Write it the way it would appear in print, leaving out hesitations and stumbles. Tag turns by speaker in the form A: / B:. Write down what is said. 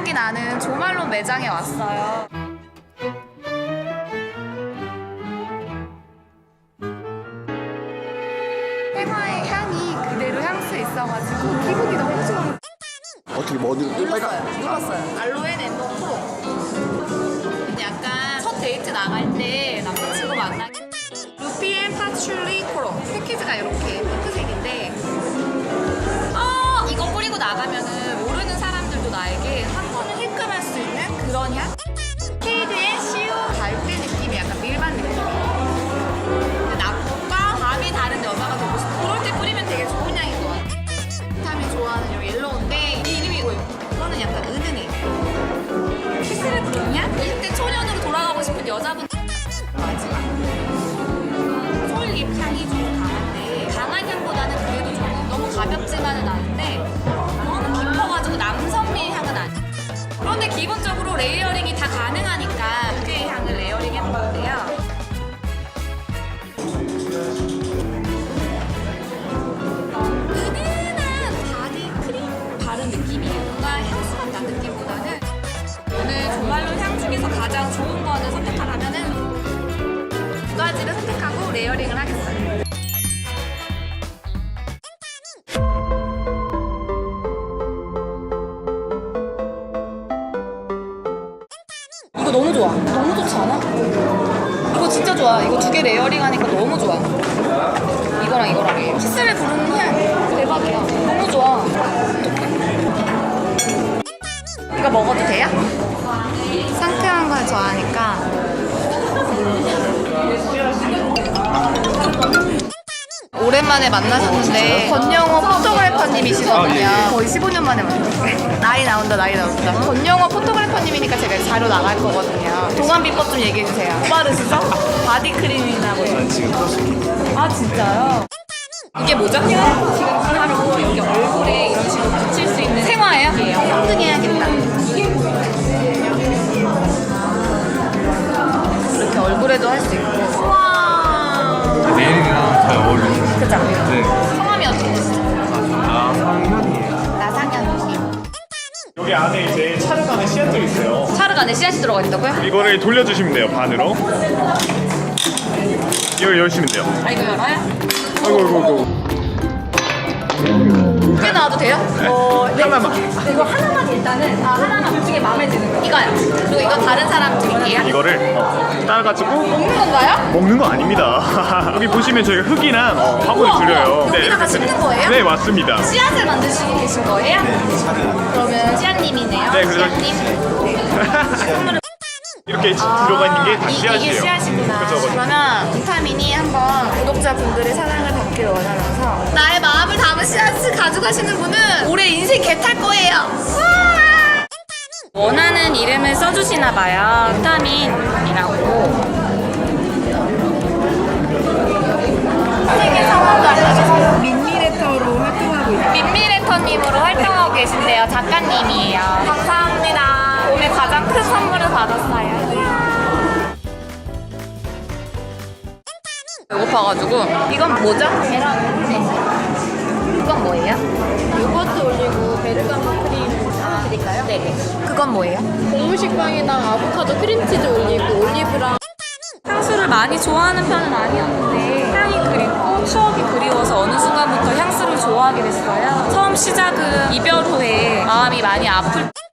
A: 향기 나는 조말론 매장에 왔어요. 테마의 향이 그대로 향수에 있어가지고 기분이 너무 좋아요.
B: 어떻게 뭐 어디로
A: 눌렀어요. 알로에 앤더 프로. 약간 첫 데이트 나갈 때 남자친구 만나. 루피 앤 파출리 코로. 패키지가 이렇게 핑크색인데 이거 뿌리고 나가면은 모르는 사람들도 나에게 한 번은 힐끔할 수 있는 그런 향? 케이드의 시우 달빛 느낌이 약간 밀반 느낌이에요. 낮과 밤이 다른 여자가 되고 싶어. 그럴 때 뿌리면 되게 좋은 향인 것 같아요. 사람이 좋아하는 요 옐로우인데 이 이름이 이거는 약간 은은해. 키스를 부르는 향? 20대 초년으로 돌아가고 싶은 여자분 마지막 솔잎 향이 좀 강한데 강한 향보다는 그래도 조금 너무 가볍지만은 않은데 너무 깊어가지고 남성미의 향은 아니에요. 그런데 기본적으로 레이어링이 다 가능하니까 두 개의 향을 레이어링 해봤는데요. 은은한 바디 크림 바른 느낌이에요. 뭔가 향수가 난 느낌보다는 오늘 조말론 향 중에서 가장 좋은 거는 선택하라면은 두 가지를 선택하고 레이어링을 하겠어요. 이거 너무 좋아. 너무 좋지 않아? 이거 진짜 좋아. 이거 두 개 레이어링 하니까 너무 좋아. 이거랑 이거랑 키스를 부르는 향 대박이야. 너무 좋아. 이거 먹어도 돼요? 상큼한 걸 좋아하니까. 오랜만에 만나셨는데 권영호 포토그래퍼님이시거든요. 거의 15년 만에 만났어요. 나이 나온다. 권영호 포토그래퍼님이니까 제가 자료 나갈 거거든요. 동안 비법 좀 얘기해주세요. 뭐 바르시죠? 바디크림이나 뭐 이런.
B: 지금 플러스키.
A: 아 진짜요? 이게 뭐죠? 지금 바로 여기 얼굴에 이런 식으로 붙일 수 있는 생화예요? 형등해야겠다. 이렇게 얼굴에도 할 수 있고. 우와.
C: 내일이랑 잘 어울리는.
A: 그죠?
C: 네.
A: 성함이 어떻게 되시죠?
C: 나상현이에요.
A: 나상현님.
D: 여기 안에 이제 차르 안에 씨앗들이 있어요.
A: 차르 안에 씨앗이 들어가 있다고요?
D: 이거를 돌려주시면 돼요, 반으로. 이걸 열시면 돼요.
A: 아 이거 열어요?
D: 아이고.
A: 꽤 나와도 돼요? 네.
D: 하나만.
A: 이거 하나만 일단은 하나만 둘 중에 마음에 드는 거 이거요. 그리고 이거 다른 사람 드릴게요.
D: 이거를 따가지고
A: 먹는 건가요?
D: 먹는 거 아닙니다. 여기 보시면 저희가 흙이랑 화분을 드려요.
A: 여기다가 심는 거예요?
D: 네, 맞습니다.
A: 씨앗을 만드시고 계신 거예요? 그러면 씨앗님이네요.
D: 네, 그래서-
A: 씨앗님. 네.
D: 이렇게 들어가 있는 게 다 씨앗이에요.
A: 이게 씨앗이구나.
D: 그죠.
A: 그러면 비타민이 한번 구독자분들의 사랑을 받기를 원하면서 나의 마음을 담은 씨앗을 가져가시는 분은 올해 인생 개탈 거예요. 원하는 이름을 써주시나 봐요. 비타민이라고. 세계 상황도 알려주세요.
E: 민미레터로 활동하고 있어요.
A: 민미레터님으로 활동하고 계신데요. 작가님이에요. 감사합니다. 오늘 가장 큰 선물을 받았어요. 배고파가지고 이건 뭐죠? 계란 오믈렛. 그건 뭐예요?
E: 요거트 올리고 베르가모 크림 드릴까요?
A: 네네. 그건 뭐예요?
E: 곡물 식빵이랑 아보카도 크림치즈 올리고 올리브랑
A: 향수를 많이 좋아하는 편은 아니었는데 향이 그립고 추억이 그리워서 어느 순간부터 향수를 좋아하게 됐어요. 처음 시작은 이별 후에 마음이 많이 아플